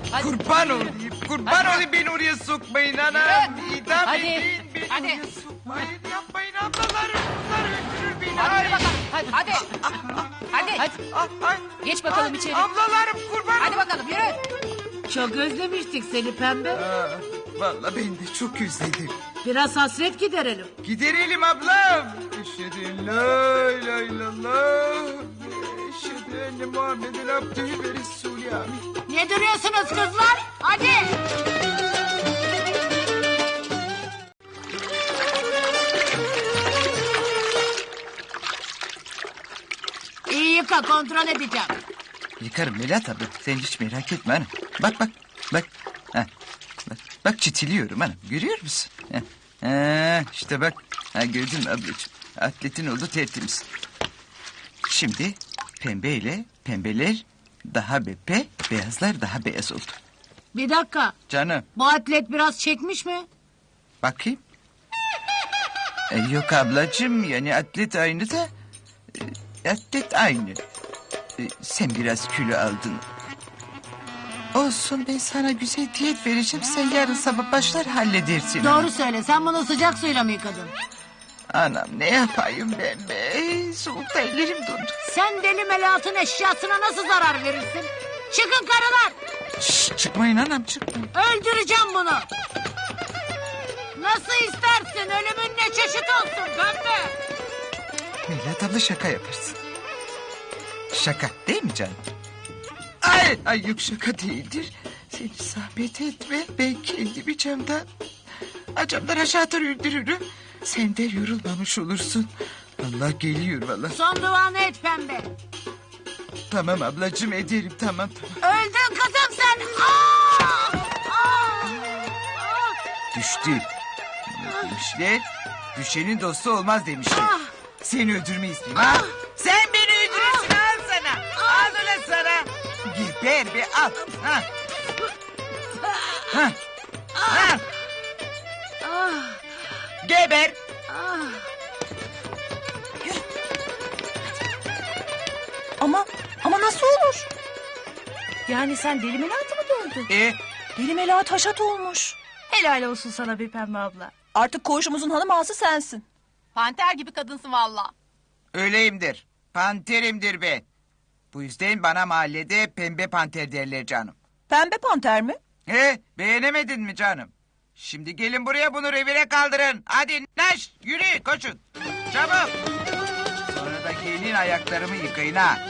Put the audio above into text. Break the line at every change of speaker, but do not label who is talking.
Hadi.
Kurban olayım. Kurban olayım beni oraya sokmayın anam. İdam
Hadi.
edin beni
Hadi.
oraya sokmayın. Yapmayın ablalarım. Bunlar öldürür beni.
Hadi
Ay.
bakalım. Hadi. Hadi. Hadi.
Ay.
Geç bakalım içeri.
Ablalarım kurban
Hadi
olayım.
bakalım yürü.
Çok özlemiştik seni pembe.
Vallahi ben de çok özledim.
Biraz hasret giderelim.
Giderelim ablam. Eşhedü en la ilahe illallah. Eşhedü enne Muhammeden abdühü ve resulü amin.
Ne duruyorsunuz kızlar? Hadi. İyi yıka, kontrol edeceğim.
Yıkarım Melahat abla. Sen hiç merak etme hanım. Bak bak. Bak. Ha. Bak çitiliyorum hanım. Görüyor musun? İşte bak. Ha, gördün mü ablacığım? Atletin oldu tertemiz. Şimdi pembeyle pembeler daha bepe, beyazlar daha beyaz oldu.
Bir dakika.
Canım
Bu atlet biraz çekmiş mi?
bakayım. Yok ablacığım yani atlet aynı da... atlet aynı. Sen biraz kilo aldın. Olsun ben sana güzel diyet vereceğim. Sen yarın sabah başlar halledersin.
Doğru söyle. Sen bunu sıcak suyla mı yıkadın?
Anam ne yapayım ben be? Soğukta ellerim dondu.
Sen deli Melahat'ın eşyasına nasıl zarar verirsin? Çıkın karılar.
Şşş, çıkmayın anam çıkmayın.
Öldüreceğim bunu. Nasıl istersin? Ölümün ne çeşit olsun pembe?
Melahat abla şaka yaparsın. Şaka değil mi canım? Ay yok şaka değildir. Seni zahmet etme. Ben kendimi camdan aşağı atar öldürürüm. Sen de yorulmamış olursun. Allah geliyor vallahi.
Son duanı et pembe.
Tamam ablacığım ederim tamam.
Öldün kızım sen. Aa! Aa!
Düştü. Ne demişler? Düşenin dostu olmaz demişler. Seni öldürmeyi isteyeyim ha? Sen beni öldürürsün al sana. Al ulan sana. Geber be al. Ha. Ha. Ha. Geber.
Ama nasıl olur? Yani sen deli Melahat'ı mı dövdün? Deli Melahat haşat olmuş. Helal olsun sana bir pembe abla. Artık koğuşumuzun hanım ağası sensin.
Panter gibi kadınsın valla.
Öyleyimdir. Panterimdir ben. Bu yüzden bana mahallede pembe panter derler canım.
Pembe panter mi?
Beğenemedin mi canım? Şimdi gelin buraya bunu revire kaldırın. Hadi naş yürü koşun. Çabuk. Sonra da gelin ayaklarımı yıkayın ha.